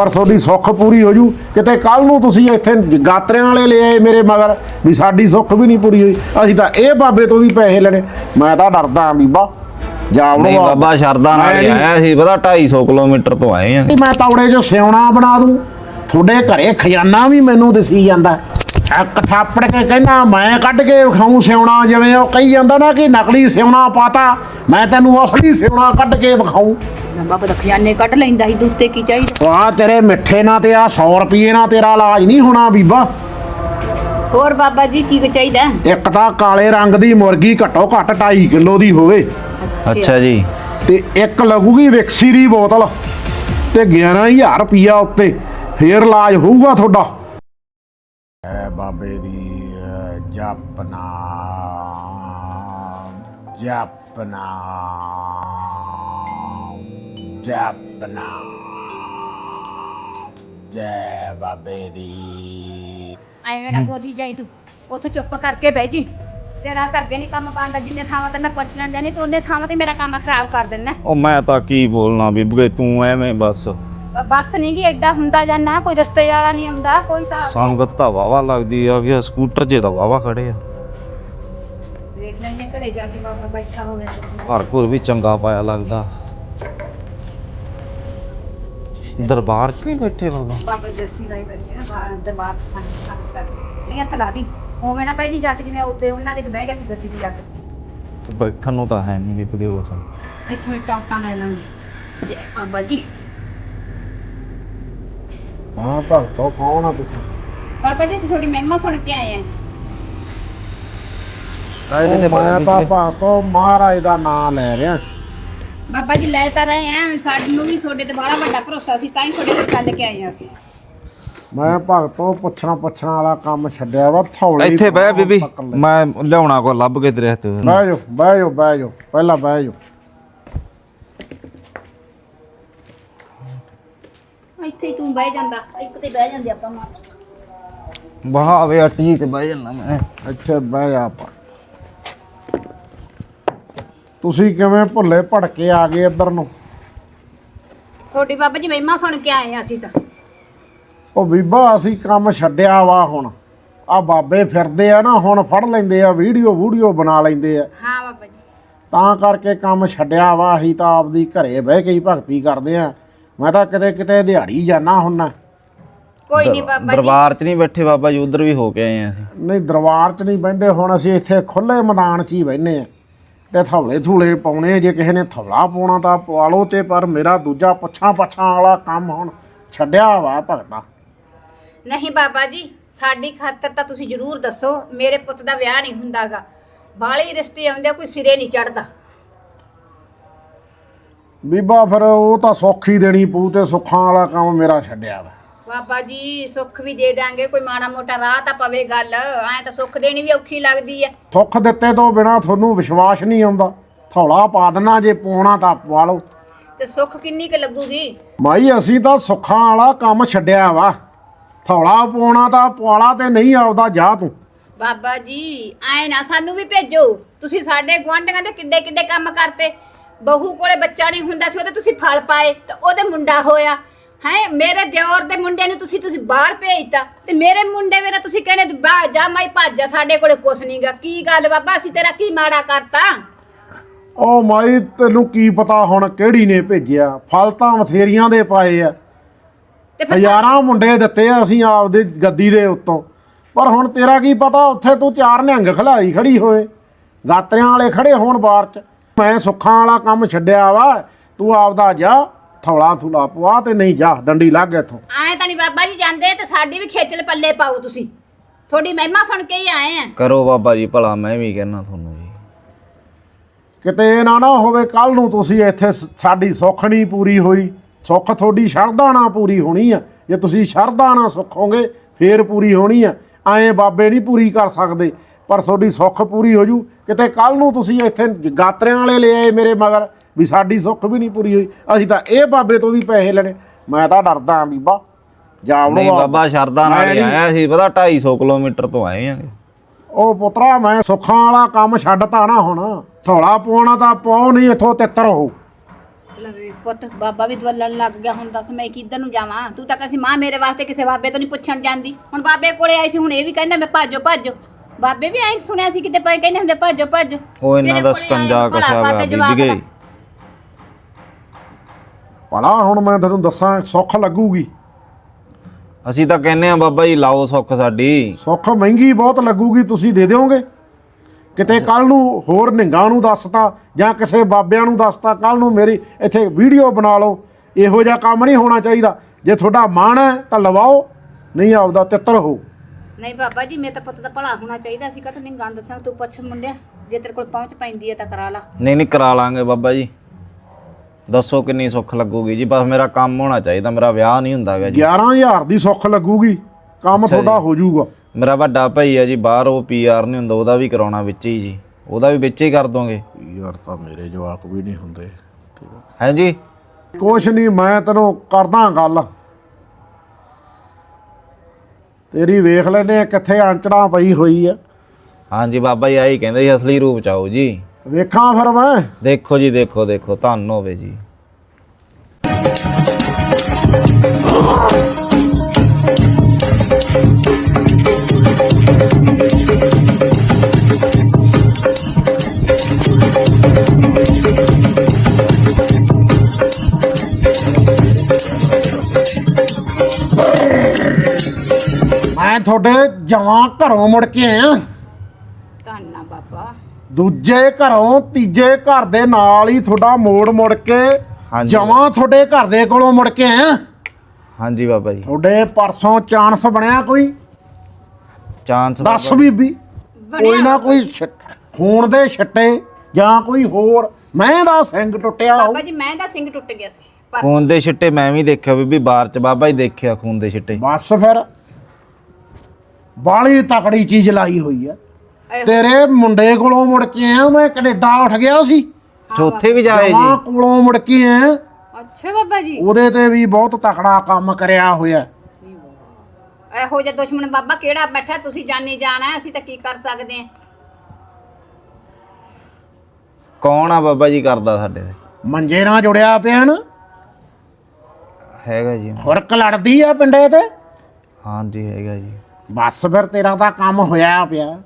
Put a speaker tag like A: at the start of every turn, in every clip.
A: पर थोड़ी सुख पूरी हो जू किते कल नूं तुसीं इत्थे गात्रियां वाले ले आए मेरे मगर भी साडी सुख भी नहीं पूरी हुई असीं तां इह बाबे तो भी पैसे लेने मैं तां डरदा बीबा
B: नहीं बाबा शरदा नाल ही आया सी पता 250 किलोमीटर तो आए हैं
A: मैं तौड़े च सिउणा बना दूं थोड़े घरे खजाना भी मैनूं दिसी जांदा एक थापड़ के कहना मैं कढ़ के विखाऊं सिउणा जिवें ओह कही जांदा ना कि नकली सिउणा पाता मैं तैनूं असली सिउणा कढ़ के विखाऊं
C: बाबा तो खजाने कढ़ लैंदा ही दूते की चाहिए
A: वाह तेरे मिठे ना ते आ 100 रुपये ना तेरा इलाज नहीं होना बीबा
C: होर बाबा जी की चाहिए
A: एक तां काले रंग दी मुर्गी घट्टो घੱਟ 2.5 किलो दी होवे
B: अच्छा जी
A: ते एक लगूगी विक्सी दी बोतल ते 11000 रुपया उत्ते फिर इलाज होऊगा थोड़ा बाबे दी जपना जपना जपना जय बाबे दी
C: ਐਵੇਂ ਨਾ ਬੋਲੀ ਜਾਈ ਤੂੰ ਉੱਥੇ ਚੁੱਪ ਕਰਕੇ ਬਹਿ ਜੀ ਤੇਰਾ ਕਰਕੇ ਨਹੀਂ ਕੰਮ ਬਣਦਾ ਜਿੰਨੇ ਥਾਵਾਂ ਤੇ ਮੈਂ ਪੁੱਛ ਲੈਂਦਾ ਨਹੀਂ ਤੂੰ ਉਹਨੇ ਥਾਵਾਂ ਤੇ ਮੇਰਾ ਕੰਮ ਖਰਾਬ ਕਰ ਦੇਣਾ
B: ਉਹ ਮੈਂ ਤਾਂ ਕੀ ਬੋਲਣਾ ਬੀਬੇ ਤੂੰ ਐਵੇਂ ਬਸ
C: ਬੱਸ ਨਹੀਂ ਗੀ ਐਡਾ ਹੁੰਦਾ ਜਾਂ ਨਾ ਕੋਈ ਰਸਤੇ ਵਾਲਾ ਨਹੀਂ ਆਉਂਦਾ ਕੋਈ ਤਾਂ
B: ਸੰਗਤ ਤਾਂ ਵਾਵਾ ਲੱਗਦੀ ਆ ਗਿਆ ਸਕੂਟਰ ਜੇ ਤਾਂ ਵਾਵਾ ਖੜੇ ਆ
C: ਵੇਖ ਲੈਂਦੇ ਘਰੇ ਜਾ ਕੇ ਬਾਬਾ ਬੈਠਾ ਹੋਵੇ
B: ਘਰ ਘੁਰ ਵੀ ਚੰਗਾ ਪਾਇਆ ਲੱਗਦਾ ਦਰਬਾਰ 'ਚ ਨਹੀਂ ਬੈਠੇ ਬਾਬਾ
C: ਬਾਬਾ ਜੱਸੀ ਦਾ ਹੀ ਬੈਠੇ ਨਾ ਬਾਹਰ ਦਰਬਾਰ ਕਰ ਨਹੀਂ ਹੱਥ ਲਾ ਦੀ ਹੋਵੇ ਨਾ ਪਹਿਲੀ ਜਾ ਕੇ ਜਿਵੇਂ ਉੱਤੇ ਉਹਨਾਂ ਦੇ ਬਹਿ ਗਿਆ ਸੀ ਗੱਦੀ ਦੀ ਜਾ ਕੇ
B: ਬੈਠਣ ਨੂੰ ਤਾਂ ਹੈ ਨਹੀਂ ਵੀ ਉਹ
C: ਇੱਥੋਂ ਟੌਕਾਂ ਲੈ ਲਾਂਗੇ ਜੈ ਬਾਬਾ ਜੀ
A: ਹਾਂ ਭਗਤੋ ਕੌਣ ਆ ਤੁਸੀਂ
C: ਬਾਬਾ ਜੀ ਥੋੜੀ ਮਹਿਮਾ ਸੁਣ ਕੇ ਆਏ
A: ਮੈਂ ਤਾਂ ਭਗਤੋ ਮਹਾਰਾਜ ਦਾ ਨਾਮ ਲੈ ਰਿਹਾ
C: ਬਾਬਾ ਜੀ ਲੈ ਤਾਂ ਰਹੇ ਆ ਸਾਨੂੰ ਵੀ ਤੁਹਾਡੇ ਤੇ ਬੜਾ ਵੱਡਾ ਭਰੋਸਾ ਸੀ ਤਾਂ ਹੀ ਤੁਹਾਡੇ ਕੋਲ ਚੱਲ ਕੇ ਆਏ ਆ ਅਸੀਂ
A: ਮੈਂ ਭਗਤੋ ਪੁੱਛਾਂ ਵਾਲਾ ਕੰਮ ਛੱਡਿਆ ਵਾ ਥੌਲੇ
B: ਇੱਥੇ ਬਹਿ ਬੀਬੀ ਮੈਂ ਲਿਆਉਣਾ ਕੋ ਲੱਭ ਕੇ ਤੇਰੇ ਹੱਥ
A: ਬਹਿ ਜਾਓ ਪਹਿਲਾਂ ਬਹਿ ਜਾਓ
C: ਇੱਥੇ ਹੀ ਤੂੰ ਬਹਿ ਜਾਂਦਾ ਇੱਕ ਤੇ ਬਹਿ ਜਾਂਦੇ ਆਪਾਂ
B: ਬਹਾਵੇ ਅੱਟੀ ਤੇ ਬਹਿ ਜਾਣਾ ਮੈਂ
A: ਇੱਥੇ ਬਹਿ ਜਾ ਆਪਾਂ ਤੁਸੀਂ ਕਿਵੇਂ ਭੁੱਲੇ ਭੜਕੇ ਆ ਗਏ ਇੱਧਰ ਨੂੰ
C: ਤੁਹਾਡੀ ਬਾਬਾ ਜੀ ਮਹਿਮਾ ਸੁਣ ਕੇ ਆਏ ਆ ਅਸੀਂ ਤਾਂ
A: ਉਹ ਬੀਬਾ ਅਸੀਂ ਕੰਮ ਛੱਡਿਆ ਵਾ ਹੁਣ ਆ ਬਾਬੇ ਫਿਰਦੇ ਆ ਨਾ ਹੁਣ ਫੜ ਲੈਂਦੇ ਆ ਵੀਡੀਓ ਬਣਾ ਲੈਂਦੇ ਆ
C: ਹਾਂ ਬਾਬਾ ਜੀ
A: ਤਾਂ ਕਰਕੇ ਕੰਮ ਛੱਡਿਆ ਵਾ ਅਸੀਂ ਤਾਂ ਆਪਦੀ ਘਰੇ ਬਹਿ ਕੇ ਹੀ ਭਗਤੀ ਕਰਦੇ ਆ ਮੈਂ ਤਾਂ ਕਿਤੇ ਦਿਹਾੜੀ ਜਾਣਾ ਹੁੰਨਾ
C: ਕੋਈ ਨਹੀਂ ਬਾਬਾ ਜੀ
B: ਦਰਬਾਰ 'ਚ ਨਹੀਂ ਬੈਠੇ ਬਾਬਾ ਜੀ ਉਧਰ ਵੀ ਹੋ ਕੇ ਆਏ ਆ ਅਸੀਂ
A: ਨਹੀਂ ਦਰਬਾਰ 'ਚ ਨਹੀਂ ਬਹਿੰਦੇ ਹੁਣ ਅਸੀਂ ਇੱਥੇ ਖੁੱਲੇ ਮੈਦਾਨ 'ਚ ਹੀ ਬਹਿੰਦੇ ਆ ਤੇ ਥੌਲੇ ਪਾਉਣੇ ਜੇ ਕਿਸੇ ਨੇ ਥੌਲਾ ਪਾਉਣਾ ਤਾਂ ਪਵਾ ਲਓ ਤੇ ਪਰ ਮੇਰਾ ਦੂਜਾ ਪੁੱਛਾਂ ਵਾਲਾ ਕੰਮ ਹੁਣ ਛੱਡਿਆ ਵਾ ਭਗਤਾ
C: ਨਹੀਂ ਬਾਬਾ ਜੀ ਸਾਡੀ ਖਾਤਰ ਤਾਂ ਤੁਸੀਂ ਜ਼ਰੂਰ ਦੱਸੋ ਮੇਰੇ ਪੁੱਤ ਦਾ ਵਿਆਹ ਨਹੀਂ ਹੁੰਦਾਗਾ ਬਾਲੇ ਰਿਸ਼ਤੇ ਆਉਂਦੇ ਕੋਈ ਸਿਰੇ ਨਹੀਂ ਚੜਦਾ
A: ਬੀਬਾ ਫਿਰ ਉਹ ਤਾਂ ਸੁੱਖ ਹੀ ਦੇਣੀ ਪਊ ਤੇ ਸੁੱਖਾਂ ਵਾਲਾ ਕੰਮ ਮੇਰਾ ਛੱਡਿਆ ਵਾ
C: ਬਾਬਾ ਜੀ ਸੁੱਖ ਵੀ ਦੇ ਦਾਂਗੇ ਕੋਈ ਮਾੜਾ ਮੋਟਾ ਰਾਹ ਤਾਂ ਪਵੇ ਗੱਲ ਐ ਤਾਂ ਸੁੱਖ ਦੇਣੀ ਵੀ ਔਖੀ ਲੱਗਦੀ ਐ
A: ਸੁੱਖ ਦਿੱਤੇ ਤੋਂ ਬਿਨਾ ਤੁਹਾਨੂੰ ਵਿਸ਼ਵਾਸ ਨਹੀਂ ਆਉਂਦਾ ਥੌਲਾ ਪਾ ਦੇਣਾ ਜੇ ਪਾਉਣਾ ਤਾਂ ਪਵਾ ਲਓ
C: ਤੇ ਸੁੱਖ ਕਿੰਨੀ ਕੁ ਲੱਗੂਗੀ
A: ਮਾਈ ਅਸੀਂ ਤਾਂ ਸੁੱਖਾਂ ਵਾਲਾ ਕੰਮ ਛੱਡਿਆ ਵਾ ਥੌਲਾ ਪਾਉਣਾ ਤਾਂ ਪਵਾਲਾ ਤੇ ਨਹੀਂ ਆਉਦਾ ਜਾ ਤੂੰ
C: ਬਾਬਾ ਜੀ ਐ ਨਾ ਸਾਨੂੰ ਵੀ ਭੇਜੋ ਤੁਸੀਂ ਸਾਡੇ ਗੁਆਂਢੀਆਂ ਦੇ ਕਿੱਡੇ ਕਿੱਡੇ ਕੰਮ ਕਰਤੇ ਬਹੂ ਕੋਲੇ ਬੱਚਾ ਨਹੀਂ ਹੁੰਦਾ ਸੀ ਉਹਦੇ ਤੁਸੀਂ ਫਲ ਪਾਏ ਤੇ ਉਹਦੇ ਮੁੰਡਾ ਹੋਇਆ ਹੈ ਮੇਰੇ ਦਿਓਰ ਦੇ ਮੁੰਡੇ ਨੂੰ ਤੁਸੀਂ ਬਾਹਰ ਭੇਜਤਾ ਤੇ ਮੇਰੇ ਮੁੰਡੇ ਵੇਰਾ ਤੁਸੀਂ ਕਹਿੰਦੇ ਜਾ ਮਾਈ ਭੱਜ ਜਾ ਸਾਡੇ ਕੋਲੇ ਕੁਛ ਨਹੀਂਗਾ ਕੀ ਗੱਲ ਬਾਬਾ ਅਸੀਂ ਤੇਰਾ ਕੀ ਮਾੜਾ ਕਰਤਾ
A: ਉਹ ਮਾਈ ਤੈਨੂੰ ਕੀ ਪਤਾ ਹੁਣ ਕਿਹੜੀ ਨੇ ਭੇਜਿਆ ਫਲ ਤਾਂ ਬਥੇਰੀਆਂ ਦੇ ਪਾਏ ਆ
C: ਤੇ ਫਿਰ
A: ਹਜ਼ਾਰਾਂ ਮੁੰਡੇ ਦਿੱਤੇ ਆ ਅਸੀਂ ਆਪਦੇ ਗੱਦੀ ਦੇ ਉੱਤੋਂ ਪਰ ਹੁਣ ਤੇਰਾ ਕੀ ਪਤਾ ਉੱਥੇ ਤੂੰ ਚਾਰ ਨਿਹੰਗ ਖਲਾਈ ਖੜੀ ਹੋਏ ਗਾਤਰਿਆਂ ਵਾਲੇ ਖੜੇ ਹੋਣ ਬਾਹਰ 'ਚ ਮੈਂ ਸੁੱਖਾਂ ਵਾਲਾ ਕੰਮ ਛੱਡਿਆ ਵਾ ਤੂੰ ਆਪਦਾ ਜਾ ਥੌਲਾ ਥੁਲਾ ਪਵਾ ਤੇ ਨਹੀਂ ਜਾ ਡੰਡੀ ਲੱਗ ਇੱਥੋਂ
C: ਐ ਤਾਂ ਨਹੀਂ ਬਾਬਾ ਜੀ ਜਾਂਦੇ ਤੇ ਸਾਡੀ ਵੀ ਖੇਚਲ ਪੱਲੇ ਪਾਓ ਤੁਸੀਂ ਤੁਹਾਡੀ ਮਹਿਮਾ ਸੁਣ ਕੇ ਹੀ ਆਏ ਆ
B: ਕਰੋ ਬਾਬਾ ਜੀ ਭਲਾ ਮੈਂ ਵੀ ਕਹਿਣਾ ਤੁਹਾਨੂੰ ਜੀ
A: ਕਿਤੇ ਇਹ ਨਾ ਹੋਵੇ ਕੱਲ ਨੂੰ ਤੁਸੀਂ ਇੱਥੇ ਸਾਡੀ ਸੁੱਖ ਨਹੀਂ ਪੂਰੀ ਹੋਈ ਸੁੱਖ ਤੁਹਾਡੀ ਸ਼ਰਧਾ ਨਾਲ ਪੂਰੀ ਹੋਣੀ ਆ ਜੇ ਤੁਸੀਂ ਸ਼ਰਧਾ ਨਾਲ ਸੁੱਖੋਗੇ ਫੇਰ ਪੂਰੀ ਹੋਣੀ ਆ ਐਂ ਬਾਬੇ ਨਹੀਂ ਪੂਰੀ ਕਰ ਸਕਦੇ ਪਰ ਤੁਹਾਡੀ ਸੁੱਖ ਪੂਰੀ ਹੋ ਜੂ ਕਿਤੇ ਕੱਲ ਨੂੰ ਤੁਸੀਂ ਇੱਥੇ ਗਾਤਰਿਆਂ ਵਾਲੇ ਲੈ ਆਏ ਮੇਰੇ ਮਗਰ ਵੀ ਸਾਡੀ ਸੁੱਖ ਵੀ ਨਹੀਂ ਪੂਰੀ ਹੋਈ ਅਸੀਂ ਤਾਂ ਇਹ ਬਾਬੇ ਤੋਂ ਵੀ ਪੈਸੇ ਲੈਣੇ ਮੈਂ ਤਾਂ ਡਰਦਾ ਬੀਬਾ
B: ਨਹੀਂ ਬਾਬਾ ਸ਼ਰਦਾ ਨਾਲ ਹੀ ਆਇਆ ਸੀ ਪਤਾ 250 ਕਿਲੋਮੀਟਰ ਤੋਂ ਆਏ ਆ
A: ਉਹ ਪੁੱਤਰਾ ਮੈਂ ਸੁੱਖਾਂ ਵਾਲਾ ਕੰਮ ਛੱਡਤਾ ਨਾ ਹੁਣ ਥੋੜਾ ਪਾਉਣਾ ਤਾਂ ਪਾਓ ਨਹੀਂ ਇੱਥੋਂ ਤਿੱਤਰ ਹੋ
C: ਲਵੇ ਪੁੱਤ ਬਾਬਾ ਵੀ ਦਵਲਣ ਲੱਗ ਗਿਆ। ਹੁਣ ਦੱਸ ਮੈਂ ਕਿੱਧਰ ਨੂੰ ਜਾਵਾਂ? ਤੂੰ ਤਾਂ ਕਹਿੰਦੀ ਮਾਂ ਮੇਰੇ ਵਾਸਤੇ ਕਿਸੇ ਬਾਬੇ ਤੋਂ ਨਹੀਂ ਪੁੱਛਣ ਜਾਂਦੀ। ਹੁਣ ਬਾਬੇ ਕੋਲੇ ਆਈ ਸੀ, ਹੁਣ ਇਹ ਵੀ ਕਹਿੰਦਾ ਮੈਂ ਭਾਜੋ ਭਾਜੋ। ਬਾਬੇ ਵੀ ਐਂ ਸੁਣਿਆ ਸੀ ਕਿਤੇ ਪਏ ਕਹਿੰਦੇ ਹੁੰਦੇ ਭਾਜੋ ਭਾਜੋ।
B: ਉਹ ਇਹਨਾਂ ਦਾ ਸਕੰਜਾ ਕਸਿਆ ਹੋਇਆ ਬੀਬੀਏ।
A: ਭਲਾ ਹੁਣ ਮੈਂ ਤੁਹਾਨੂੰ ਦੱਸਾਂ, ਸੁੱਖ ਲੱਗੂਗੀ।
B: ਅਸੀਂ ਤਾਂ ਕਹਿੰਨੇ ਆ ਬਾਬਾ ਜੀ ਲਾਓ ਸੁੱਖ ਸਾਡੀ।
A: ਸੁੱਖ ਮਹਿੰਗੀ ਬਹੁਤ ਲੱਗੂਗੀ, ਤੁਸੀਂ ਦੇ ਦਿਓਗੇ? ਕਿਤੇ ਕੱਲ ਨੂੰ ਹੋਰ ਨਿੰਗਾ ਨੂੰ ਦੱਸਤਾ ਜਾਂ ਕਿਸੇ ਬਾਬਿਆਂ ਨੂੰ ਦੱਸਤਾ, ਕੱਲ ਨੂੰ ਮੇਰੀ ਇੱਥੇ ਵੀਡੀਓ ਬਣਾ ਲਓ। ਇਹੋ ਜਿਹਾ ਕੰਮ ਨਹੀਂ ਹੋਣਾ ਚਾਹੀਦਾ। ਜੇ ਤੁਹਾਡਾ ਮਨ ਹੈ ਤਾਂ ਲਵਾਓ, ਨਹੀਂ ਆਪਦਾ ਤਿੱਤਰ ਹੋ।
C: ਨਹੀਂ ਬਾਬਾ ਜੀ, ਮੇਰੇ ਤਾਂ ਪੁੱਤ ਦਾ ਭਲਾ ਹੋਣਾ ਚਾਹੀਦਾ ਸੀ। ਕਾ ਨਹੀਂ ਗੰਢ ਦੱਸਾਂ, ਤੂੰ ਪੁੱਛ ਮੁੰਡਿਆ, ਜੇ ਤੇਰੇ ਕੋਲ ਪਹੁੰਚ ਪੈਂਦੀ ਹੈ ਤਾਂ ਕਰਾ ਲਾ।
B: ਨਹੀਂ ਕਰਾ ਲਾਂਗੇ ਬਾਬਾ ਜੀ। ਦੱਸੋ ਕਿੰਨੀ ਸੁੱਖ ਲੱਗੂਗੀ ਜੀ? ਬਸ ਮੇਰਾ ਕੰਮ ਹੋਣਾ ਚਾਹੀਦਾ, ਮੇਰਾ ਵਿਆਹ ਨਹੀਂ ਹੁੰਦਾਗਾ ਜੀ।
A: 11,000 ਦੀ ਸੁੱਖ ਲੱਗੂਗੀ, ਕੰਮ ਤੁਹਾਡਾ ਹੋ ਜਾਊਗਾ।
B: ਮੇਰਾ ਵੱਡਾ ਭਾਈ ਹੈ ਜੀ ਬਾਹਰ, ਉਹ PR ਨਹੀਂ ਹੁੰਦਾ, ਉਹਦਾ ਵੀ ਕਰਾਉਣਾ ਵਿੱਚ ਹੀ ਜੀ। ਉਹਦਾ ਵੀ ਵਿੱਚ ਹੀ ਕਰ ਦੋਗੇ?
A: ਯਾਰ ਤਾਂ ਮੇਰੇ ਜਵਾਕ ਵੀ ਨਹੀਂ ਹੁੰਦੇ।
B: ਹੈ ਜੀ?
A: ਕੁਛ ਨਹੀਂ, ਮੈਂ ਤੈਨੂੰ ਕਰਦਾ ਗੱਲ। ਤੇਰੀ ਵੇਖ ਲੈਨੇ ਕਿੱਥੇ ਆਂਚੜਾ ਪਈ ਹੋਈ ਆ।
B: ਹਾਂਜੀ ਬਾਬਾ ਜੀ, ਆਹੀ ਕਹਿੰਦੇ ਸੀ ਅਸਲੀ ਰੂਪ ਚ ਆਓ ਜੀ।
A: ਵੇਖਾਂ ਫਿਰ ਮੈਂ।
B: ਦੇਖੋ ਜੀ, ਦੇਖੋ ਦੇਖੋ, ਧੰਨ ਹੋਵੇ ਜੀ।
A: ਮੈਂ ਤੁਹਾਡੇ ਜਵਾਂ ਘਰੋਂ ਮੁੜ ਕੇ ਆਇਆ।
C: ਧੰਨਾ ਬਾਬਾ।
A: ਦੂਜੇ ਘਰੋਂ ਤੀਜੇ ਘਰ ਦੇ ਨਾਲ ਹੀ ਤੁਹਾਡਾ ਮੋੜ ਕੇ
B: ਹਾਂਜੀ।
A: ਜਵਾਂ ਤੁਹਾਡੇ ਘਰ ਦੇ ਕੋਲੋਂ ਮੁੜ ਕੇ ਆਇਆ।
B: ਹਾਂਜੀ ਬਾਬਾ ਜੀ।
A: ਤੁਹਾਡੇ ਪਰਸੋਂ ਚਾਂਸ ਬਣਿਆ ਕੋਈ?
B: ਚਾਂਸ
A: ਦੱਸ ਬੀਬੀ। ਕੋਈ ਨਾ ਕੋਈ ਖੂਨ ਦੇ ਛੱਟੇ ਜਾਂ ਕੋਈ ਹੋਰ ਮੈਂ ਦਾ ਸਿੰਘ ਟੁੱਟਿਆ ਹੋ।
C: ਬਾਬਾ ਜੀ ਮੈਂ ਦਾ ਸਿੰਘ ਟੁੱਟ ਗਿਆ ਸੀ
B: ਖੂਨ ਦੇ ਛਿੱਟੇ ਮੈਂ ਵੀ ਦੇਖਿਆ ਬੀਬੀ ਬਾਹਰ ਚ। ਬਾਬਾ ਜੀ ਦੇਖਿਆ ਖੂਨ ਦੇ ਛਿੱਟੇ।
A: ਬਸ ਫਿਰ ਬਾਲੀ ਤਕੜੀ ਚੀਜ਼ ਲਾਈ ਹੋਈ ਆ। ਤੇਰੇ ਮੁੰਡੇ ਕੋਲੋਂ ਮੁੜ ਕੇ ਆਇਆ ਮੈਂ, ਕੈਨੇਡਾ ਉੱਠ ਗਿਆ ਸੀ।
B: ਚੌਥੇ ਵੀ ਜਾਏ
A: ਜਵਾਂ
B: ਜੀ?
A: ਕੋਲੋਂ ਮੁੜ ਕੇ ਆਇਆ।
C: ਅੱਛਾ ਬਾਬਾ ਜੀ,
A: ਉਹਦੇ ਤੇ ਵੀ ਬਹੁਤ ਤਕੜਾ ਕੰਮ ਕਰਿਆ ਹੋਇਆ।
C: ਇਹੋ ਜਿਹਾ ਦੁਸ਼ਮਣ ਬਾਬਾ ਕਿਹੜਾ ਬੈਠਾ? ਤੁਸੀਂ ਜਾਣੀ ਜਾਣਾ, ਅਸੀਂ ਤਾਂ ਕੀ ਕਰ ਸਕਦੇ ਹਾਂ?
B: ਕੌਣ ਆ ਬਾਬਾ ਜੀ ਕਰਦਾ ਸਾਡੇ ਤੇ?
A: ਮੰਜੇ ਨਾਲ ਜੁੜਿਆ ਪਿਆ ਨਾ,
B: ਹੈਗਾ ਜੀ।
A: ਖੁਰਕ ਲੜਦੀ ਆ ਪਿੰਡੇ ਤੇ।
B: ਹਾਂਜੀ ਹੈਗਾ ਜੀ।
A: ਬਸ ਫਿਰ ਤੇਰਾ ਤਾਂ ਕੰਮ ਹੋਇਆ ਪਿਆ।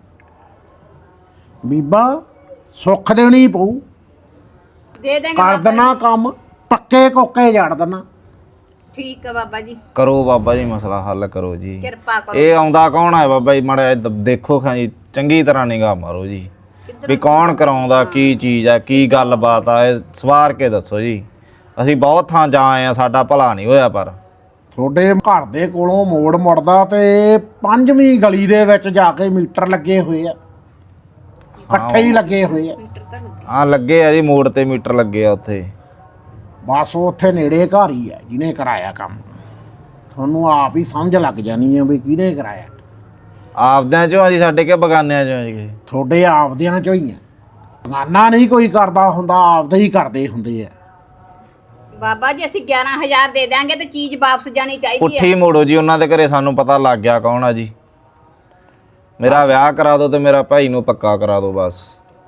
A: ਬੀਬਾ ਸੁੱਖ ਦੇਣੀ ਪਊ।
C: ਦੇ ਦੇਂਗੇ
A: ਕਰ
C: ਬਾਬਾ
A: ਦੇਣਾ ਕੰਮ, ਪੱਕੇ ਕੋਕੇ ਜੜ ਦੇਣਾ।
C: ਠੀਕ ਹੈ ਬਾਬਾ ਜੀ,
B: ਕਰੋ ਬਾਬਾ ਜੀ, ਮਸਲਾ ਹੱਲ ਕਰੋ ਜੀ।
C: ਕਿਰਪਾ ਕਰੋ।
B: ਇਹ ਆਉਂਦਾ ਕੌਣ ਹੈ ਬਾਬਾ ਜੀ? ਮਾੜਾ ਜਿਹਾ ਦੇਖੋ ਖਾਂ ਜੀ, ਚੰਗੀ ਤਰ੍ਹਾਂ ਨਿਗਾਹ ਮਾਰੋ ਜੀ ਵੀ ਕੌਣ ਕਰਾਉਂਦਾ, ਕੀ ਚੀਜ਼ ਆ, ਕੀ ਗੱਲਬਾਤ ਆ, ਇਹ ਸਵਾਰ ਕੇ ਦੱਸੋ ਜੀ। ਅਸੀਂ ਬਹੁਤ ਥਾਂ ਜਾ ਆਏ ਆ, ਸਾਡਾ ਭਲਾ ਨਹੀਂ ਹੋਇਆ। ਪਰ
A: ਤੁਹਾਡੇ ਘਰ ਦੇ ਕੋਲੋਂ ਮੋੜ ਮੁੜਦਾ ਤੇ 5ਵੀਂ ਗਲੀ ਦੇ ਵਿੱਚ ਜਾ ਕੇ ਮੀਟਰ ਲੱਗੇ ਹੋਏ ਆ, ਇਕੱਠੇ ਹੀ ਲੱਗੇ ਹੋਏ ਆ।
C: ਮੀਟਰ ਤਾਂ ਲੱਗੇ।
B: ਹਾਂ ਲੱਗੇ ਆ ਜੀ, ਮੋੜ ਤੇ ਮੀਟਰ ਲੱਗੇ ਆ ਉੱਥੇ।
A: ਬਸ ਉੱਥੇ ਨੇੜੇ ਘਰ ਹੀ ਆ ਜਿਹਨੇ ਕਰਾਇਆ ਕੰਮ। ਤੁਹਾਨੂੰ ਆਪ ਹੀ ਸਮਝ ਲੱਗ ਜਾਣੀ ਆ ਵੀ ਕਿਹਨੇ ਕਰਾਇਆ।
B: ਆਪਦਿਆਂ ਚੋਂ ਆ ਜੀ, ਸਾਡੇ ਕੇ ਬਗਾਨਿਆਂ ਚੋਂ ਆ ਜੀ?
A: ਤੁਹਾਡੇ ਆਪਦਿਆਂ ਚੋਂ ਹੀ ਆ, ਬਗਾਨਾ ਨਹੀਂ ਕੋਈ ਕਰਦਾ ਹੁੰਦਾ, ਆਪਦੇ ਹੀ ਕਰਦੇ ਹੁੰਦੇ ਆ।
C: ਬਾਬਾ ਜੀ ਅਸੀਂ 11,000 ਦੇ ਦਾਂਗੇ ਤੇ ਚੀਜ਼ ਵਾਪਸ ਜਾਣੀ ਚਾਹੀਦੀ
B: ਪੁੱਠੀ
C: ਹੈ।
B: ਮੋੜੋ ਜੀ, ਉਹਨਾਂ ਦੇ ਘਰੇ ਸਾਨੂੰ ਪਤਾ ਲੱਗ ਗਿਆ ਕੌਣ ਆ ਜੀ। ਮੇਰਾ ਵਿਆਹ ਕਰਾ ਦਿਓ ਤੇ ਮੇਰਾ ਭਾਈ ਨੂੰ ਪੱਕਾ ਕਰਾ ਦਿਓ ਬਸ।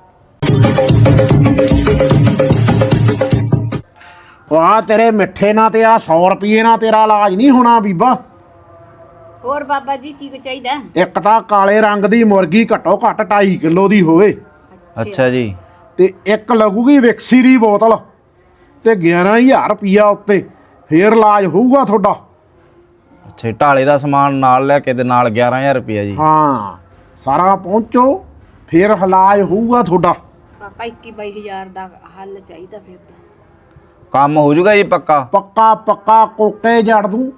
A: ਆ ਤੇਰੇ ਮਿੱਠੇ ਨਾਲ ਤੇ ਆ 100 ਰੁਪਏ ਨਾਲ ਤੇਰਾ ਇਲਾਜ ਨਹੀਂ ਹੋਣਾ ਬੀਬਾ।
C: ਹੋਰ ਬਾਬਾ ਜੀ ਕੀ ਕੁ ਚਾਹੀਦਾ?
A: ਇੱਕ ਤਾਂ ਕਾਲੇ ਰੰਗ ਦੀ ਮੁਰਗੀ ਘੱਟੋ ਘੱਟ 2.5 ਕਿਲੋ ਦੀ ਹੋਵੇ
B: ਅੱਛਾ ਜੀ।
A: ਤੇ ਇੱਕ ਲੱਗੂਗੀ ਵਿਕਸੀ ਦੀ ਬੋਤਲ ਤੇ 11,000 ਰੁਪਿਆ ਉੱਤੇ, ਫੇਰ ਇਲਾਜ ਹੋਊਗਾ ਤੁਹਾਡਾ।
B: ਅੱਛਾ, ਢਾਲੇ ਦਾ ਸਮਾਨ ਨਾਲ ਲੈ ਕੇ ਤੇ ਨਾਲ 11,000 ਰੁਪਇਆ ਜੀ?
A: ਹਾਂ ਸਾਰਾ ਪਹੁੰਚੋ ਫੇਰ ਇਲਾਜ ਹੋਊਗਾ ਤੁਹਾਡਾ।
C: ਕਾਕਾ 21-22,000 ਦਾ ਹੱਲ ਚਾਹੀਦਾ ਫਿਰ ਤਾਂ।
B: ਕੰਮ ਹੋ ਜਾਊਗਾ ਜੀ ਪੱਕਾ?
A: ਪੱਕਾ ਪੱਕਾ ਕੋਕੇ ਜੜ ਦੂੰ।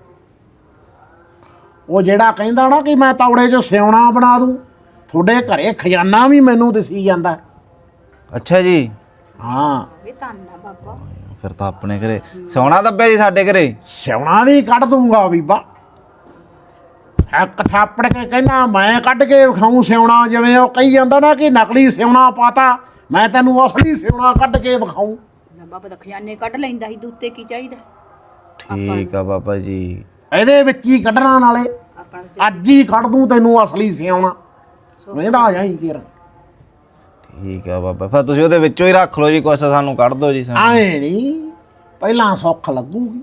A: ਉਹ ਜਿਹੜਾ ਕਹਿੰਦਾ ਨਾ ਕਿ ਮੈਂ ਤੌੜੇ 'ਚ ਸਿਉਣਾ ਬਣਾ ਦੂੰ, ਤੁਹਾਡੇ ਘਰੇ ਖਜ਼ਾਨਾ ਵੀ ਮੈਨੂੰ ਦਿਸੀ ਜਾਂਦਾ।
B: ਅੱਛਾ ਜੀ।
A: ਹਾਂ
C: ਇਹ ਧੰਨਾ ਬਾਬਾ।
B: ਫਿਰ ਤਾਂ ਆਪਣੇ ਘਰੇ ਸੋਨਾ ਦੱਬਿਆ ਜੀ, ਸਾਡੇ ਘਰੇ
A: ਸਿਉਣਾ ਵੀ ਕੱਢ ਦੂੰਗਾ ਬੀਬਾ। ਇੱਕ ਥਾਪੜ ਕੇ ਕਹਿੰਦਾ ਮੈਂ ਕੱਢ ਕੇ ਵਿਖਾਊਂ ਸਿਉਣਾ, ਜਿਵੇਂ ਉਹ ਕਹੀ ਜਾਂਦਾ ਨਾ ਕਿ ਨਕਲੀ ਸਿਉਣਾ ਪਾਤਾ, ਮੈਂ ਤੈਨੂੰ ਅਸਲੀ ਸਿਉਣਾ ਕੱਢ ਕੇ ਵਿਖਾਊਂ।
C: ਬਾਬਾ ਦਾ ਖਜ਼ਾਨੇ ਕੱਢ ਲੈਂਦਾ ਸੀ, ਦੂਤੇ ਕੀ ਚਾਹੀਦਾ?
B: ਠੀਕ ਆ ਬਾਬਾ ਜੀ।
A: ਇਹਦੇ ਵਿੱਚ ਹੀ ਕੱਢਣਾ, ਨਾਲੇ ਅੱਜ ਹੀ ਕੱਢ ਦੂੰ ਤੈਨੂੰ ਅਸਲੀ ਸਿਉਣਾ। ਵੇਂਦਾ ਜਾਈ ਕਿਰ।
B: ਠੀਕ ਆ ਬਾਬਾ, ਫਿਰ ਤੁਸੀਂ ਉਹਦੇ ਵਿੱਚੋਂ ਹੀ ਰੱਖ ਲਓ ਜੀ, ਕੁਛ ਸਾਨੂੰ ਕੱਢ ਦਿਓ ਜੀ ਸਾਨੂੰ।
A: ਆਏ ਨਹੀਂ, ਪਹਿਲਾਂ ਸੁੱਖ ਲੱਗੂਗੀ।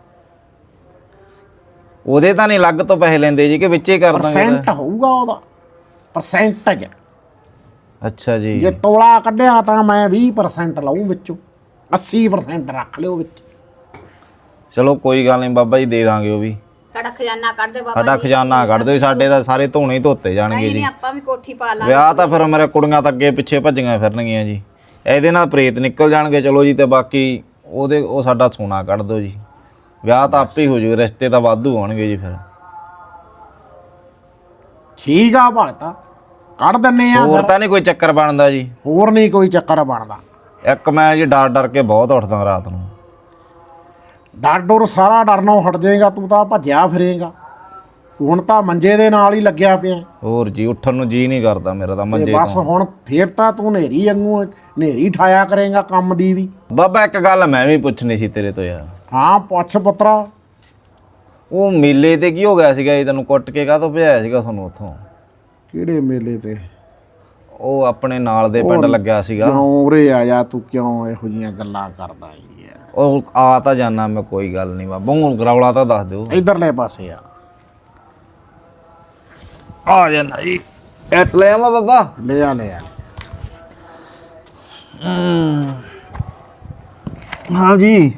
B: ਉਹਦੇ ਤਾਂ ਨਹੀਂ ਅਲੱਗ ਤੋਂ ਪੈਸੇ ਲੈਂਦੇ ਜੀ, ਕਿ ਵਿੱਚੇ ਹੀ ਕਰ ਦਾਂਗੇ?
A: ਪਰਸੈਂਟ ਹੋਊਗਾ ਉਹਦਾ, ਪਰਸੈਂਟੇਜ।
B: ਅੱਛਾ ਜੀ।
A: ਜੇ ਤੋਲਾ ਕੱਢਿਆ ਤਾਂ ਮੈਂ 20% ਲਊ ਵਿੱਚੋਂ, 80% ਰੱਖ ਲਿਓ ਵਿੱਚ।
B: ਚਲੋ ਕੋਈ ਗੱਲ ਨਹੀਂ ਬਾਬਾ ਜੀ, ਦੇ ਦਾਂਗੇ ਉਹ ਵੀ।
C: ਸਾਡਾ ਖਜ਼ਾਨਾ ਕੱਢ ਦਿਓ ਬਾਬਾ
B: ਸਾਡਾ
C: ਜੀ।
B: ਖਜ਼ਾਨਾ ਕੱਢ ਦਿਓ, ਸਾਡੇ ਤਾਂ ਸਾਰੇ ਧੋਣੇ ਹੀ ਧੋਤੇ ਜਾਣਗੇ
C: ਨਹੀਂ
B: ਜੀ।
C: ਨਹੀਂ, ਆਪਾਂ ਵੀ ਕੋਠੀ ਪਾ ਲਾਂਗੇ।
B: ਵਿਆਹ ਤਾਂ ਫਿਰ ਮੇਰੇ ਕੁੜੀਆਂ ਤਾਂ ਅੱਗੇ ਪਿੱਛੇ ਭੱਜੀਆਂ ਫਿਰਨਗੀਆਂ ਜੀ, ਇਹਦੇ ਨਾਲ ਪ੍ਰੇਤ ਨਿਕਲ ਜਾਣਗੇ। ਚਲੋ ਜੀ, ਤੇ ਬਾਕੀ ਉਹ ਸਾਡਾ ਸੋਨਾ ਕੱਢ ਦਿਓ ਜੀ, ਵਿਆਹ ਤਾਂ ਆਪੇ ਹੀ ਹੋ ਜੂ, ਰਿਸ਼ਤੇ ਤਾਂ ਵਾਧੂ ਆਉਣਗੇ ਜੀ ਫਿਰ।
A: ਠੀਕ ਆ ਭਗਤਾ, ਕੱਢ ਦਿੰਨੇ ਆ।
B: ਹੋਰ ਤਾਂ ਨਹੀਂ ਕੋਈ ਚੱਕਰ ਬਣਦਾ ਜੀ?
A: ਹੋਰ ਨਹੀਂ ਕੋਈ ਚੱਕਰ ਬਣਦਾ।
B: ਇੱਕ ਮੈਂ ਜੀ ਡਰ ਕੇ ਬਹੁਤ ਉੱਠਦਾ ਰਾਤ ਨੂੰ।
A: ਡਰ ਡਰ ਸਾਰਾ ਡਰਨੋਂ ਹਟ ਜਾਏਗਾ, ਤੂੰ ਤਾਂ ਭੱਜਿਆ ਫਿਰੇਗਾ। ਹੁਣ ਤਾਂ ਮੰਜੇ ਦੇ ਨਾਲ ਹੀ ਲੱਗਿਆ ਪਿਆ
B: ਹੋਰ ਜੀ, ਉੱਠਣ ਨੂੰ ਜੀ ਨਹੀਂ ਕਰਦਾ ਮੇਰਾ ਤਾਂ
A: ਤੇ
B: ਮੰਜੇ
A: ਬਸ।
B: ਤੋਂ।
A: ਹੁਣ ਫੇਰ ਤਾਂ ਤੂੰ ਨੇਰੀ ਵਾਂਗੂ ਨੇਰੀ ਠਾਇਆ ਕਰੇਗਾ ਕੰਮ ਦੀ ਵੀ।
B: ਬਾਬਾ ਇੱਕ ਗੱਲ ਮੈਂ ਵੀ ਪੁੱਛਣੀ ਸੀ ਤੇਰੇ ਤੋਂ ਯਾਰ।
A: ਹਾਂ ਪੁੱਛ ਪੁੱਤਰਾ।
B: ਉਹ ਮੇਲੇ ਤੇ ਕੀ ਹੋ ਗਿਆ ਸੀਗਾ ਜੀ, ਤੈਨੂੰ ਕੁੱਟ ਕੇ ਕਾਹਤੋਂ ਭਜਾਇਆ ਸੀਗਾ ਤੁਹਾਨੂੰ ਉੱਥੋਂ?
A: ਕਿਹੜੇ ਮੇਲੇ ਤੇ?
B: ਉਹ ਆਪਣੇ ਨਾਲ ਦੇ ਪਿੰਡ ਲੱਗਿਆ ਸੀਗਾ।
A: ਕਿਉਂ ਉਰੇ ਆ ਜਾ ਤੂੰ, ਕਿਉਂ ਇਹੋ ਜੀਆਂ ਗੱਲਾਂ ਕਰਦਾ ਯਾਰ?
B: ਉਹ ਆ ਤਾਂ ਜਾਣਾ ਮੈਂ, ਕੋਈ ਗੱਲ ਨਹੀਂ ਬਾਬਾ, ਹੁਣ ਰੌਲਾ ਤਾਂ ਦੱਸ ਦਿਓ।
A: ਇਧਰਲੇ ਪਾਸੇ
B: ਆ ਜਾਣਾ ਜੀ, ਐਟ ਲੈ ਆਵਾਂ ਬਾਬਾ?
A: ਲੈ ਆ ਲੈ ਆ।
B: ਹਾਂ ਜੀ।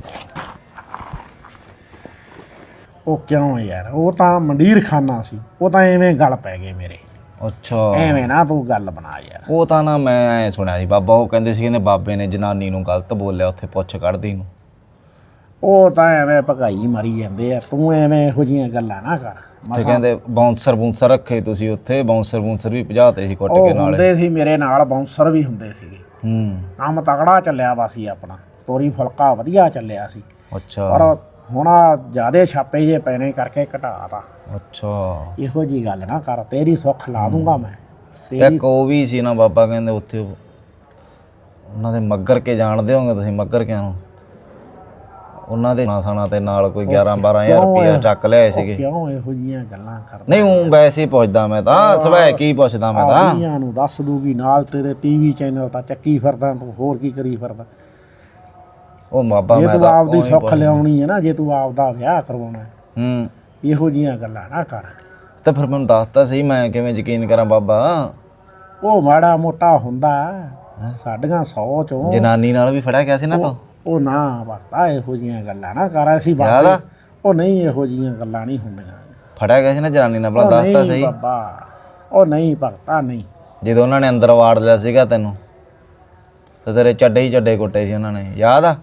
A: ਉਹ ਕਿਉਂ ਯਾਰ, ਉਹ ਤਾਂ ਮੰਡੀਰ ਖਾਨਾ ਸੀ, ਉਹ ਤਾਂ ਐਵੇਂ ਗੱਲ ਪੈ ਗਏ ਮੇਰੇ।
B: ਅੱਛਾ,
A: ਐਵੇਂ ਨਾ ਤੂੰ ਗੱਲ ਬਣਾ ਯਾਰ।
B: ਉਹ ਤਾਂ ਨਾ ਮੈਂ ਐ ਸੁਣਿਆ ਸੀ ਬਾਬਾ, ਉਹ ਕਹਿੰਦੇ ਸੀ ਕਹਿੰਦੇ ਬਾਬੇ ਨੇ ਜਨਾਨੀ ਨੂੰ ਗਲਤ ਬੋਲਿਆ ਉੱਥੇ ਪੁੱਛ ਕੱਢਦੀ ਨੂੰ।
A: ਉਹ ਤਾਂ ਐਵੇਂ ਭਗਾਈ ਮਾਰੀ ਜਾਂਦੇ ਆ, ਤੂੰ ਐਵੇਂ ਇਹੋ ਜੀਆਂ ਗੱਲਾਂ ਨਾ ਕਰ।
B: ਤੇ ਕਹਿੰਦੇ ਬਾਉਂਸਰ ਰੱਖੇ ਤੁਸੀਂ ਉੱਥੇ, ਬਾਉਂਸਰ ਵੀ ਭਜਾਤੇ ਸੀ ਕੁੱਟ
A: ਉਹ
B: ਕੇ ਨਾਲੇ।
A: ਹੁੰਦੇ ਸੀ ਮੇਰੇ ਨਾਲ, ਬਾਉਂਸਰ ਵੀ ਹੁੰਦੇ ਸੀਗੇ। ਕੰਮ ਤਗੜਾ ਚੱਲਿਆ ਵਾ ਸੀ ਆਪਣਾ, ਤੋਰੀ ਫੁਲਕਾ ਵਧੀਆ ਚੱਲਿਆ ਸੀ।
B: ਅੱਛਾ।
A: ਪਰ ਹੁਣ ਜਿਆਦੇ ਛਾਪੇ ਜੇ ਪੈਣੇ ਕਰਕੇ ਘਟਾਤਾ।
B: ਅੱਛਾ,
A: ਇਹੋ ਜੀ ਗੱਲ ਨਾ ਕਰ, ਤੇਰੀ ਸੁੱਖ ਲਾ ਦੂੰਗਾ ਮੈਂ।
B: ਇੱਕ ਉਹ ਵੀ ਸੀ ਨਾ ਬਾਬਾ, ਕਹਿੰਦੇ ਉੱਥੇ ਉਹਨਾਂ ਦੇ ਮੱਗਰ ਕੇ ਜਾਣਦੇ ਹੋਗੇ ਤੁਸੀਂ, ਮੱਗਰ ਕਿਆਂ ਨੂੰ? ਉਹਨਾਂ ਦੇ ਸਾਣਾ ਤੇ ਨਾਲ ਕੋਈ 11-12 ਹਜ਼ਾਰ ਰੁਪਇਆ ਚੱਕ ਲਿਆਏ ਸੀਗੇ।
A: ਕਿਉਂ ਇਹੋ ਜੀਆਂ ਗੱਲਾਂ ਕਰਦਾ?
B: ਨਹੀਂ ਉਹ ਵੈਸੇ ਹੀ ਪੁੱਛਦਾ ਮੈਂ ਤਾਂ, ਸਵੈ ਕੀ ਪੁੱਛਦਾ ਮੈਂ ਤਾਂ।
A: ਆਲੀਆਂ ਨੂੰ ਦੱਸ ਦੂਗੀ, ਨਾਲ ਤੇਰੇ ਟੀਵੀ ਚੈਨਲ ਤਾਂ ਚੱਕੀ ਫਿਰਦਾ ਤੂੰ, ਹੋਰ ਕੀ ਕਰੀ ਫਿਰਦਾ?
B: ਉਹ ਬਾਬਾ
A: ਜੇ
B: ਮੈਂ
A: ਤੂੰ
B: ਤਾਂ
A: ਆਪਦੀ ਸੁੱਖ ਲਿਆਉਣੀ ਹੈ ਨਾ, ਜੇ ਤੂੰ ਆਪਦਾ ਵਿਆਹ ਕਰਵਾਉਣਾ, ਇਹੋ ਜੀਆਂ ਗੱਲਾਂ ਨਾ ਕਰ।
B: ਤਾਂ ਫਿਰ ਮੈਨੂੰ ਦੱਸਤਾ ਸਹੀ, ਮੈਂ ਕਿਵੇਂ ਯਕੀਨ ਕਰਾਂ ਬਾਬਾ?
A: ਉਹ ਮਾੜਾ ਮੋਟਾ ਹੁੰਦਾ ਸਾਡੀਆਂ 100 ਚੋਂ।
B: ਜਨਾਨੀ ਨਾਲ ਵੀ ਫੜਿਆ ਗਿਆ ਸੀ ਨਾ ਤੂੰ?
A: ਉਹ ਨਾ ਵਰਤਾ, ਇਹੋ ਜੀਆਂ ਗੱਲਾਂ ਨਾ ਕਰ। ਅਸੀਂ ਬਾਬਾ, ਉਹ ਨਹੀਂ, ਇਹੋ ਜੀਆਂ ਗੱਲਾਂ ਨਹੀਂ ਹੁੰਦੀਆਂ।
B: ਫੜਿਆ ਗਿਆ ਸੀ ਨਾ ਜਨਾਨੀ ਨਾਲ, ਭਲਾ
A: ਉਹ
B: ਦੱਸਤਾ
A: ਨਹੀਂ
B: ਸਹੀ।
A: ਬਾਬਾ, ਉਹ ਨਹੀਂ ਭਗਤਾ, ਨਹੀਂ।
B: ਜਦੋਂ ਉਹਨਾਂ ਨੇ ਅੰਦਰ ਵਾੜ ਲਿਆ ਸੀਗਾ ਤੈਨੂੰ, ਤੇ ਤੇਰੇ ਚੱਡੇ ਹੀ ਚੱਡੇ ਕੁੱਟੇ ਸੀ ਉਹਨਾਂ ਨੇ, ਯਾਦ ਆ?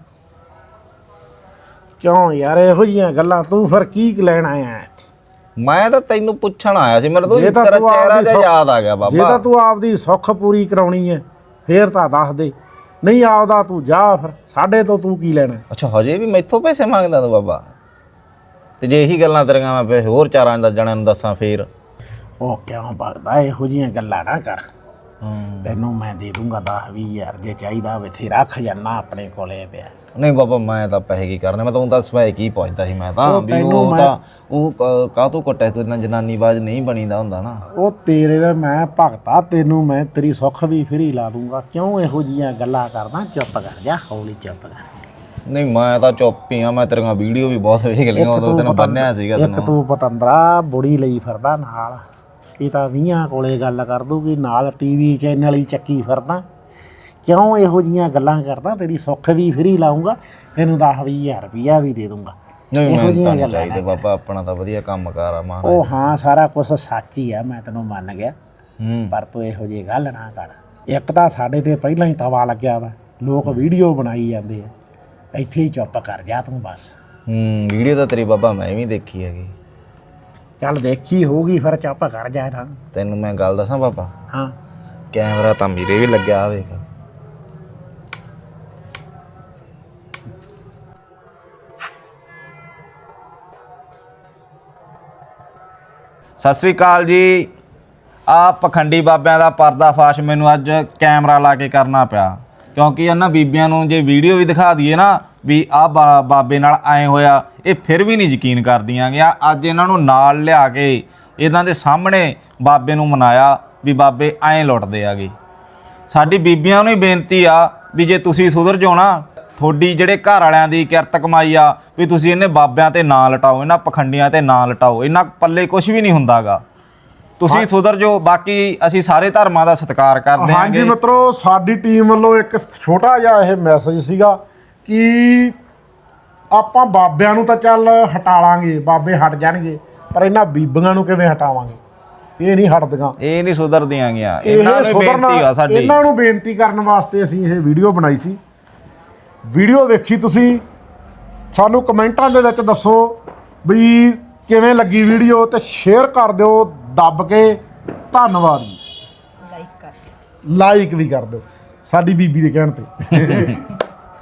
A: ਕਿਉਂ ਯਾਰ ਇਹੋ ਜੀਆਂ ਗੱਲਾਂ, ਤੂੰ ਫਿਰ ਕੀ ਲੈਣ ਆਇਆ?
B: ਮੈਂ ਤਾਂ ਤੈਨੂੰ ਪੁੱਛਣ ਆਇਆ ਸੀ, ਮੇਰੇ ਤੋਂ
A: ਜੇ ਤਾਂ
B: ਤੇਰਾ
A: ਤੂੰ
B: ਚਿਹਰਾ
A: ਆਪਦੀ
B: ਜਿਹਾ ਯਾਦ ਆ ਗਿਆ
A: ਜੇ
B: ਬਾਬਾ।
A: ਤਾਂ ਤੂੰ ਆਪਦੀ ਸੁੱਖ ਪੂਰੀ ਕਰਾਉਣੀ ਹੈ ਫੇਰ ਤਾਂ ਦੱਸ ਦੇ, ਨਹੀਂ ਆਪਦਾ ਤੂੰ ਜਾ, ਫਿਰ ਸਾਡੇ ਤੋਂ ਤੂੰ ਕੀ ਲੈਣਾ?
B: ਅੱਛਾ, ਹਜੇ ਵੀ ਮੈਥੋਂ ਪੈਸੇ ਮੰਗਦਾ ਤੂੰ ਬਾਬਾ? ਤੇ ਜੇ ਇਹੀ ਗੱਲਾਂ ਤੇਰੀਆਂ ਮੈਂ ਪੈਸੇ ਹੋਰ ਚਾਰਾਂ ਦਾ ਜਣਿਆਂ ਨੂੰ ਦੱਸਾਂ ਫੇਰ?
A: ਉਹ ਕਿਉਂ ਭਗਦਾ, ਇਹੋ ਜੀਆਂ ਗੱਲਾਂ ਨਾ ਕਰ। ਤੈਨੂੰ ਮੈਂ ਦੇ ਦੂੰਗਾ 10-20 ਹਜ਼ਾਰ, ਜੇ ਚਾਹੀਦਾ ਬਥੇਰਾ ਖਜ਼ਾਨਾ ਆਪਣੇ ਕੋਲੇ ਪਿਆ।
B: ਨਹੀਂ ਬਾਬਾ, ਮੈਂ ਤਾਂ ਪੈਸੇ ਕੀ ਕਰਨੇ, ਮੈਂ ਤਾਂ ਤਾਂ ਸਵਾਏ ਕੀ ਪੁੱਛਦਾ ਸੀ ਮੈਂ ਤਾਂ, ਵੀ
A: ਤੈਨੂੰ
B: ਉਹ ਤਾਂ ਉਹ ਕਾਹਤੋਂ ਕੁੱਟਿਆ ਤੂੰ? ਇਹਨਾਂ ਜਨਾਨੀ ਬਾਜ ਨਹੀਂ ਬਣੀਦਾ ਹੁੰਦਾ ਨਾ।
A: ਉਹ ਤੇਰੇ ਦਾ ਮੈਂ ਭਗਤਾ, ਤੈਨੂੰ ਮੈਂ ਤੇਰੀ ਸੁੱਖ ਵੀ ਫਰੀ ਲਾ ਦੂੰਗਾ। ਕਿਉਂ ਇਹੋ ਜੀਆਂ ਗੱਲਾਂ ਕਰਦਾ? ਚੁੱਪ ਕਰ ਜਾ, ਹੌਲੀ ਚੁੱਪ ਕਰ।
B: ਨਹੀਂ ਮੈਂ ਤਾਂ ਚੁੱਪ ਹੀ ਆ, ਮੈਂ ਤੇਰੀਆਂ ਵੀਡੀਓ ਵੀ ਬਹੁਤ ਵੇਖ ਲਈਆਂ, ਉਦੋਂ ਤੈਨੂੰ ਬੰਨਿਆ ਸੀਗਾ
A: ਇੱਕ
B: ਤੈਨੂੰ।
A: ਤੂੰ ਪਤੰਦਰਾ ਬੁੜੀ ਲਈ ਫਿਰਦਾ ਨਾਲ, ਇਹ ਤਾਂ 20 ਕੋਲੇ ਗੱਲ ਕਰ ਦੂਗੀ, ਨਾਲ ਟੀਵੀ ਚੈਨਲ ਹੀ ਚੱਕੀ ਫਿਰਦਾ। ਕਿਉਂ ਇਹੋ ਜੀਆਂ ਗੱਲਾਂ ਕਰਦਾ? ਤੇਰੀ ਸੁੱਖ ਵੀ ਫਰੀ ਲਾਉਂਗਾ, ਤੈਨੂੰ 10-20 ਹਜ਼ਾਰ ਰੁਪਈਆ ਵੀ ਦੇ ਦੂੰਗਾ।
B: ਨਹੀਂ ਮੈਨੂੰ ਤਾਂ ਨਹੀਂ ਚਾਹੀਦੇ ਬਾਬਾ, ਆਪਣਾ ਤਾਂ ਵਧੀਆ ਕੰਮ ਕਾਰ ਆ ਮਾਂ।
A: ਉਹ ਹਾਂ, ਸਾਰਾ ਕੁਝ ਸੱਚ ਹੀ ਆ, ਮੈਂ ਤੈਨੂੰ ਮੰਨ ਗਿਆ,
B: ਹੂੰ।
A: ਪਰ ਤੂੰ ਇਹੋ ਜਿਹੀ ਗੱਲ ਨਾ ਕਰ। ਇੱਕ ਤਾਂ ਸਾਡੇ ਤੇ ਪਹਿਲਾਂ ਹੀ ਤਵਾ ਲੱਗਿਆ ਵਾ, ਲੋਕ ਵੀਡੀਓ ਬਣਾਈ ਜਾਂਦੇ ਆ, ਇੱਥੇ ਹੀ ਚੁੱਪ ਕਰ ਜਾ ਤੂੰ ਬਸ।
B: ਵੀਡੀਓ ਤਾਂ ਤੇਰੀ ਬਾਬਾ ਮੈਂ ਵੀ ਦੇਖੀ ਹੈਗੀ।
A: ਚੱਲ ਦੇਖੀ ਹੋਊਗੀ, ਫਿਰ ਚੁੱਪ ਕਰ ਜਾ ਨਾ।
B: ਤੈਨੂੰ ਮੈਂ ਗੱਲ ਦੱਸਾਂ ਬਾਬਾ,
A: ਹਾਂ,
B: ਕੈਮਰਾ ਤਾਂ ਮੇਰੇ ਵੀ ਲੱਗਿਆ ਆ, ਵੇਖ। ਸਤਿ ਸ੍ਰੀ ਅਕਾਲ ਜੀ। ਆ ਪਖੰਡੀ ਬਾਬਿਆਂ ਦਾ ਪਰਦਾਫਾਸ਼ ਮੈਨੂੰ ਅੱਜ ਕੈਮਰਾ ਲਾ ਕੇ ਕਰਨਾ ਪਿਆ, ਕਿਉਂਕਿ ਇਹਨਾਂ ਬੀਬੀਆਂ ਨੂੰ ਜੇ ਵੀਡੀਓ ਵੀ ਦਿਖਾ ਦਈਏ ਨਾ ਵੀ ਆਹ ਬਾਬੇ ਨਾਲ ਐਂ ਹੋਇਆ, ਇਹ ਫਿਰ ਵੀ ਨਹੀਂ ਯਕੀਨ ਕਰਦੀਆਂ ਗਿਆ। ਅੱਜ ਇਹਨਾਂ ਨੂੰ ਨਾਲ ਲਿਆ ਕੇ ਇਹਨਾਂ ਦੇ ਸਾਹਮਣੇ ਬਾਬੇ ਨੂੰ ਮਨਾਇਆ ਵੀ ਬਾਬੇ ਐਂ ਲੁੱਟਦੇ ਆਗੇ। ਸਾਡੀ ਬੀਬੀਆਂ ਨੂੰ ਹੀ ਬੇਨਤੀ ਆ ਵੀ ਜੇ ਤੁਸੀਂ ਸੁਧਰ ਜਾਓ ਨਾ, ਤੁਹਾਡੀ ਜਿਹੜੇ ਘਰ ਵਾਲਿਆਂ ਦੀ ਕਿਰਤ ਕਮਾਈ ਆ ਵੀ ਤੁਸੀਂ ਇਹਨੇ ਬਾਬਿਆਂ ਤੇ ਨਾ ਲਟਾਓ, ਇਹਨਾਂ ਪਖੰਡੀਆਂ ਤੇ ਨਾ ਲਟਾਓ, ਇਹਨਾਂ ਪੱਲੇ ਕੁਝ ਵੀ ਨਹੀਂ ਹੁੰਦਾਗਾ। ਤੁਸੀਂ ਸੁਧਰ ਜਾਓ। ਬਾਕੀ ਅਸੀਂ ਸਾਰੇ ਧਰਮਾਂ ਦਾ ਸਤਿਕਾਰ ਕਰਦੇ ਹਾਂ।
A: ਹਾਂਜੀ ਮਿੱਤਰੋ, ਸਾਡੀ ਟੀਮ ਵੱਲੋਂ ਇੱਕ ਛੋਟਾ ਜਿਹਾ ਇਹ ਮੈਸੇਜ ਸੀਗਾ ਕਿ ਆਪਾਂ ਬਾਬਿਆਂ ਨੂੰ ਤਾਂ ਚੱਲ ਹਟਾ ਲਾਂਗੇ, ਬਾਬੇ ਹਟ ਜਾਣਗੇ, ਪਰ ਇਹਨਾਂ ਬੀਬੀਆਂ ਨੂੰ ਕਿਵੇਂ ਹਟਾਵਾਂਗੇ? ਇਹ ਨਹੀਂ ਹਟਦੀਆਂ,
B: ਇਹ ਨਹੀਂ ਸੁਧਰਦੀਆਂ ਗੀਆਂ।
A: ਇਹ
B: ਇਹਨਾਂ ਨੂੰ ਬੇਨਤੀ ਆ ਸਾਡੀ,
A: ਇਹਨਾਂ ਨੂੰ ਬੇਨਤੀ ਕਰਨ ਵਾਸਤੇ ਅਸੀਂ ਇਹ ਵੀਡੀਓ ਬਣਾਈ ਸੀ। ਵੀਡੀਓ ਵੇਖੀ ਤੁਸੀਂ, ਸਾਨੂੰ ਕਮੈਂਟਾਂ ਦੇ ਵਿੱਚ ਦੱਸੋ ਵੀ ਕਿਵੇਂ ਲੱਗੀ ਵੀਡੀਓ, ਤੇ ਸ਼ੇਅਰ ਕਰ ਦਿਓ ਦੱਬ ਕੇ। ਧੰਨਵਾਦ ਜੀ। ਲਾਈਕ ਵੀ ਕਰ ਦਿਓ ਸਾਡੀ ਬੀਬੀ ਦੇ ਕਹਿਣ ਤੇ।